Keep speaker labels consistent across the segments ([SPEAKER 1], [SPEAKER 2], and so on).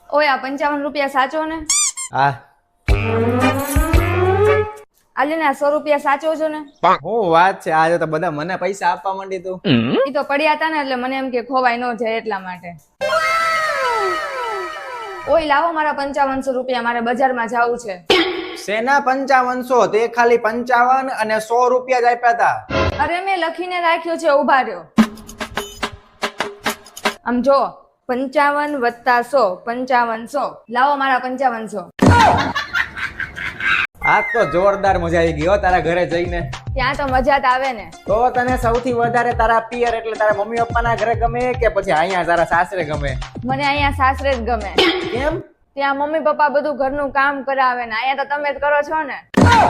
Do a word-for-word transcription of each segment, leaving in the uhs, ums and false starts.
[SPEAKER 1] ઓય આ પંચાવન રૂપિયા સાચો ને?
[SPEAKER 2] હા
[SPEAKER 1] આલે ને આ સો રૂપિયા સાચો છો ને?
[SPEAKER 2] હું વાત છે, આજે તો બધા મને પૈસા આપવા માંડી તું.
[SPEAKER 1] ઈ તો પડ્યા હતા ને એટલે મને એમ કે ખોવાય ન જાય એટલા માટે. ઓય લાવો મારા પંચાવનસો રૂપિયા, મારે બજારમાં જવું છે.
[SPEAKER 2] સેના પંચાવનસો? તે ખાલી પંચાવન અને સો રૂપિયા જ આપ્યા હતા.
[SPEAKER 1] અરે મેં લખીને રાખ્યું છે, ઉભા રહ્યો. આમ જો પંચાવન વત્તા સો, પંચાવનસો. લાવો મારા પંચાવનસો.
[SPEAKER 2] આ તો જોરદાર મજા આવી ગઈ હો તારા ઘરે જઈને.
[SPEAKER 1] ત્યાં તો મજા જ આવે ને.
[SPEAKER 2] તો તને સૌથી વધારે તારા પિયર એટલે તારા મમ્મી પપ્પાના ઘરે ગમે કે પછી અહીંયા તારા સાસરે ગમે?
[SPEAKER 1] મને અહીંયા સાસરે જ ગમે.
[SPEAKER 2] કેમ?
[SPEAKER 1] ત્યાં મમ્મી પપ્પા બધું ઘરનું કામ કરાવે ને અહીંયા તો તમે જ કરો છો ને.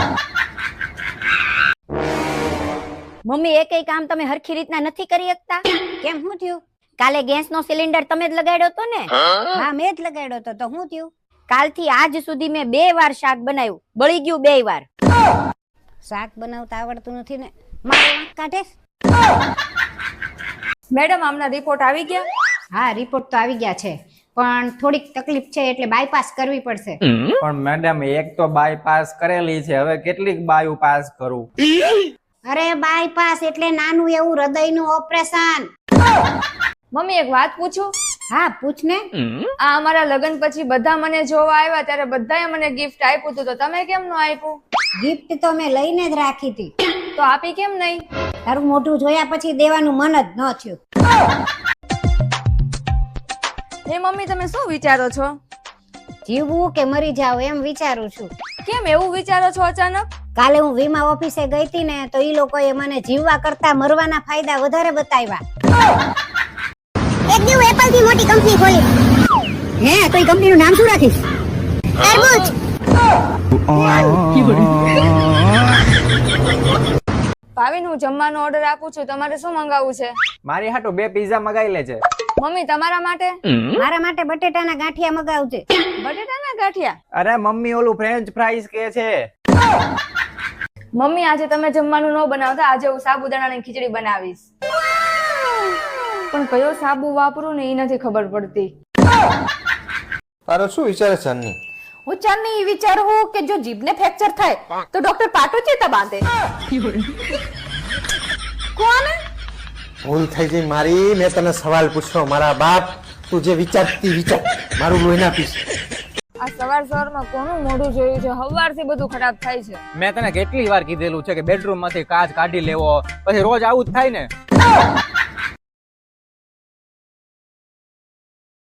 [SPEAKER 3] મમ્મી એકેય કામ તમે હરખી રીતના નથી કરી શકતા? કેમ શું થયું? કાલે ગેસ નો સિલિન્ડર તમે જ લગાડ્યો તો ને? હા મેં જ લગાડ્યો તો. તો શું થયું? કાલથી આજ સુધી મેં બે વાર શાક બનાવ્યું, બળી ગયું બે વાર. શાક બનાવતા આવડતું નથી ને મારે વાંક કાઢે.
[SPEAKER 1] મેડમ આમના રિપોર્ટ આવી ગયા?
[SPEAKER 3] હા રિપોર્ટ તો આવી ગયા છે, પણ થોડીક તકલીફ છે એટલે બાયપાસ કરવી પડશે.
[SPEAKER 2] પણ મેડમ એક તો બાયપાસ કરેલી છે, હવે કેટલીક બાયુ પાસ કરું?
[SPEAKER 3] અરે બાયપાસ એટલે નાનું એવું હૃદયનું ઓપરેશન.
[SPEAKER 1] મમ્મી એક વાત પૂછું?
[SPEAKER 3] હા પૂછ ને.
[SPEAKER 1] આ અમારા લગ્ન પછી બધા મને જોવા આવ્યા ત્યારે બધાએ મને ગિફ્ટ આપ્યું હતું, તો તમે કેમ ન આપ્યું?
[SPEAKER 3] ગિફ્ટ તો મેં લઈને જ રાખી હતી.
[SPEAKER 1] તો આપી કેમ નહીં?
[SPEAKER 3] તારું મોઢું જોયા પછી દેવાનું મન જ ન થયું.
[SPEAKER 1] હે મમ્મી તમે શું વિચારો છો?
[SPEAKER 3] જીવવું કે મરી જાવ એમ વિચારું છું.
[SPEAKER 1] કેમ એવું વિચારો છો અચાનક?
[SPEAKER 3] કાલે હું વીમા ઓફિસે ગઈ હતી ને તો ઈ લોકોએ મને જીવવા કરતા મરવાના ફાયદા વધારે બતાવ્યા. એક દિવસ એપલ થી મોટી કંપની ખોલી. હે તો ઈ કંપનીનું નામ શું રાખીશ? તરબૂચ.
[SPEAKER 1] ભાવિન હું જમવાનો ઓર્ડર આપું છું, તમારે શું મંગાવવું છે?
[SPEAKER 2] મારી હાટુ બે પીઝા મગાઈ લેજે.
[SPEAKER 1] મમ્મી તમારા માટે?
[SPEAKER 3] મારા માટે બટેટાના ગાંઠિયા મગાવજે.
[SPEAKER 1] બટેટાના ગાંઠિયા?
[SPEAKER 2] અરે મમ્મી ઓલું ફ્રેન્ચ ફ્રાઈઝ કે છે.
[SPEAKER 1] મમ્મી આજે તમે જમવાનું ન બનાવતા, આજે હું સાબુદાણાની ખીચડી બનાવીશ. પણ કયો સાબુ વાપરું ને એ નથી ખબર પડતી.
[SPEAKER 4] તારો શું વિચાર છે અન્ની?
[SPEAKER 5] હું ચાંદની વિચારું કે જો જીભને ફ્રેક્ચર થાય તો ડોક્ટર પાટો ચેતા બાંધે. કોણ?
[SPEAKER 4] ભૂલ થઈ ગઈ મારી. મેં તને સવાલ પૂછ્યો મારા બાપ, તું જે વિચારતી વિચાર, મારું લોહી ના પીસ.
[SPEAKER 1] આ સવાર સવારમાં કોનું મોઢું જોયું છે? હવારથી બધું ખરાબ થાય છે.
[SPEAKER 2] મેં તને કેટલી વાર કીધેલું છે કે બેડરૂમ માંથી કાચ કાઢી લેવો, પછી રોજ આવું જ થાય ને.